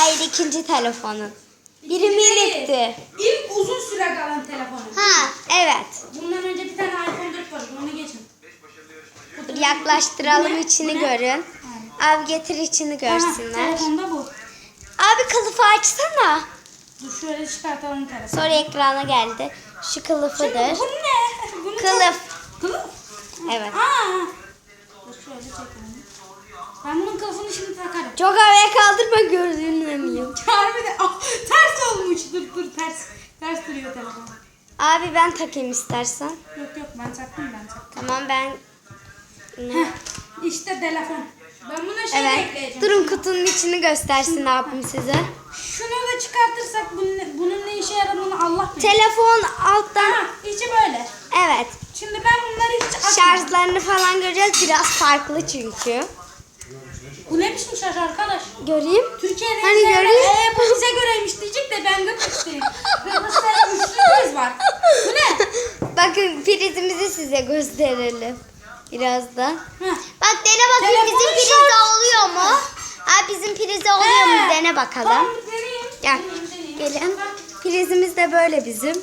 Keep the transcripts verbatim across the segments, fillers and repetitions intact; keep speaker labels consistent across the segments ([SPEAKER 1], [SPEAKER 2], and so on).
[SPEAKER 1] Hayır, ikinci telefonun. Biri minikti.
[SPEAKER 2] İlk uzun süre kalan telefonu.
[SPEAKER 1] Ha, evet.
[SPEAKER 2] Bundan önce bir tane iPhone dört vardı. Onu geçin.
[SPEAKER 1] Dur, yaklaştıralım,
[SPEAKER 2] Bu ne?
[SPEAKER 1] içini
[SPEAKER 2] Bu ne?
[SPEAKER 1] görün. Abi getir, içini
[SPEAKER 2] Aha,
[SPEAKER 1] görsünler.
[SPEAKER 2] telefonda bu.
[SPEAKER 1] Abi kılıfı açsana.
[SPEAKER 2] Dur şöyle çıkartalım telefonu.
[SPEAKER 1] Sonra ekrana geldi. Şu
[SPEAKER 2] Şimdi
[SPEAKER 1] kılıfıdır.
[SPEAKER 2] bu ne? Bunu
[SPEAKER 1] Kılıf.
[SPEAKER 2] Çok... Kılıf?
[SPEAKER 1] Evet.
[SPEAKER 2] Aa. Dur şöyle çekelim. Ben bunun kılıfını şimdi takarım.
[SPEAKER 1] Çok havaya kaldırma, görünmüyor.
[SPEAKER 2] Harbiden ah, ters olmuş. Dur dur ters. Ters duruyor telefon.
[SPEAKER 1] Abi ben takayım istersen.
[SPEAKER 2] Yok yok ben taktım ben taktım.
[SPEAKER 1] Tamam, ben...
[SPEAKER 2] Heh, işte telefon. Ben buna şey
[SPEAKER 1] Evet.
[SPEAKER 2] ekleyeceğim.
[SPEAKER 1] Durun, kutunun içini göstersin abim size.
[SPEAKER 2] Şunu da çıkartırsak bunun, bunun ne işe yaradığını Allah bilir.
[SPEAKER 1] Telefon alttan...
[SPEAKER 2] Ha, içi böyle.
[SPEAKER 1] Evet.
[SPEAKER 2] Şimdi ben bunları hiç açmadım.
[SPEAKER 1] Şarjlarını falan göreceğiz. Biraz farklı çünkü.
[SPEAKER 2] Bu ne biçim şarj arkadaş?
[SPEAKER 1] Göreyim.
[SPEAKER 2] Türkiye'de
[SPEAKER 1] Hani
[SPEAKER 2] izleyenler,
[SPEAKER 1] göreyim.
[SPEAKER 2] "Ee, bu bize göreymiş diyecek de ben Kıbrıs'tayım. Kıbrıs'ta üçlü priz var. Bu ne?
[SPEAKER 1] Bakın, prizimizi size gösterelim. Birazdan.
[SPEAKER 2] Heh.
[SPEAKER 1] Bak, dene bakayım,
[SPEAKER 2] Telefonun
[SPEAKER 1] bizim prize
[SPEAKER 2] şarj-
[SPEAKER 1] oluyor mu? Abi bizim prize oluyor mu?
[SPEAKER 2] He.
[SPEAKER 1] Dene bakalım.
[SPEAKER 2] Tamam deneyeyim.
[SPEAKER 1] Gel.
[SPEAKER 2] Deneyeyim, deneyeyim.
[SPEAKER 1] Gelin.
[SPEAKER 2] Bak.
[SPEAKER 1] Prizimiz de böyle bizim.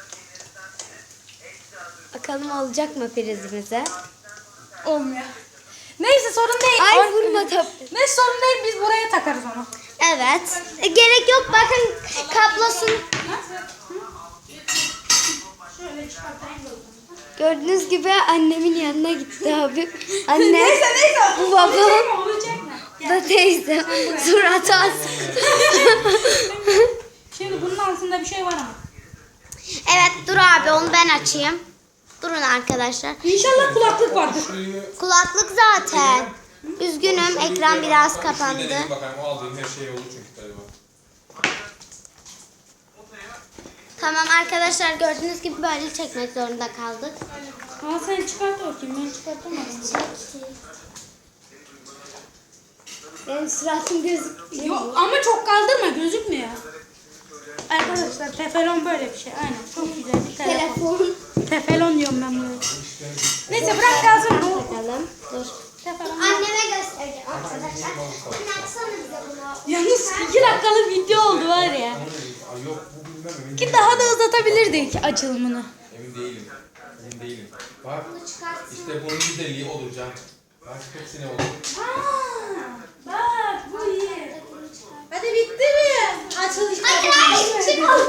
[SPEAKER 1] Bakalım olacak mı prizimize?
[SPEAKER 2] Olmuyor. Neyse sorun değil.
[SPEAKER 1] Ay,
[SPEAKER 2] Ay,
[SPEAKER 1] vurma tabii.
[SPEAKER 2] Ne sorun değil, biz buraya takarız onu.
[SPEAKER 1] Evet. E, gerek yok. Bakın kablosunu.
[SPEAKER 2] Şöyle çıkartayım da.
[SPEAKER 1] Gördüğünüz gibi annemin yanına gitti abi. Anne.
[SPEAKER 2] Neyse neyse.
[SPEAKER 1] Bu babam.
[SPEAKER 2] Olacak mı? Olacak mı? Gel.
[SPEAKER 1] Da teyze. Suratı as.
[SPEAKER 2] Şimdi bunun altında bir şey var ama.
[SPEAKER 1] Evet, dur abi, onu ben açayım. Durun arkadaşlar.
[SPEAKER 2] İnşallah kulaklık vardır.
[SPEAKER 1] Kulaklık zaten. Üzgünüm, ekran biraz kapandı.
[SPEAKER 3] Denedim bakalım, o aldığım her şey olur çünkü galiba.
[SPEAKER 1] Tamam arkadaşlar, gördüğünüz gibi böyle çekmek zorunda kaldık.
[SPEAKER 2] Al sen çıkart bakayım, ben çıkartamadım.
[SPEAKER 1] Benim suratım gözükmüyor.
[SPEAKER 2] Yok ama çok kaldırma, gözükmüyor. Arkadaşlar teflon böyle bir şey. Aynen çok güzel bir telefon.
[SPEAKER 1] Telefon.
[SPEAKER 2] Teflon diyorum ben bunu. Neyse bırak kalsın.
[SPEAKER 1] Bakalım. Dur.
[SPEAKER 2] Teflon.
[SPEAKER 1] Anneme göstereceğim arkadaşlar. Anne, açsana bize bunu.
[SPEAKER 2] Yalnız iki dakikalık video oldu var ya.
[SPEAKER 3] Ay yok, bu bilmem emin
[SPEAKER 2] Ki
[SPEAKER 3] değilim.
[SPEAKER 2] daha da uzatabilirdik açılımını.
[SPEAKER 3] Emin değilim. Emin değilim. Bak,
[SPEAKER 1] çıkartsın.
[SPEAKER 3] işte bunun güzelliği olur Can. Bak, hepsine olur.
[SPEAKER 2] Aa, bak bu iyi. Hadi bitti mi? Açılış.
[SPEAKER 1] Hayır hayır, çıkma.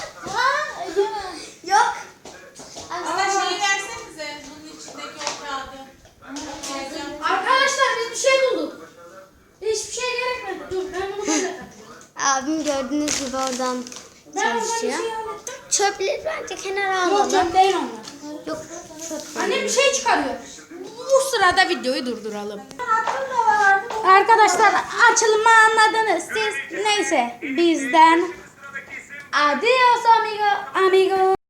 [SPEAKER 1] Yok.
[SPEAKER 4] Ama şeyi versenize, bunun içindeki o kağıdı.
[SPEAKER 2] Arkadaşlar biz bir şey bulduk. Hiçbir şey gerekmedi. Dur ben bunu böyle takayım.
[SPEAKER 1] Abim gördüğünüz gibi oradan
[SPEAKER 2] Ben oradan bir
[SPEAKER 1] çalışıyor.
[SPEAKER 2] şey hallettim.
[SPEAKER 1] Çöpleri bence kenara
[SPEAKER 2] Yok
[SPEAKER 1] alalım.
[SPEAKER 2] çöp değil onlar.
[SPEAKER 1] Yok, çöp.
[SPEAKER 2] Annem bir şey çıkarıyor. Bu sırada videoyu durduralım. Arkadaşlar açılımı anladınız siz. Neyse bizden. Adios amigo amigo.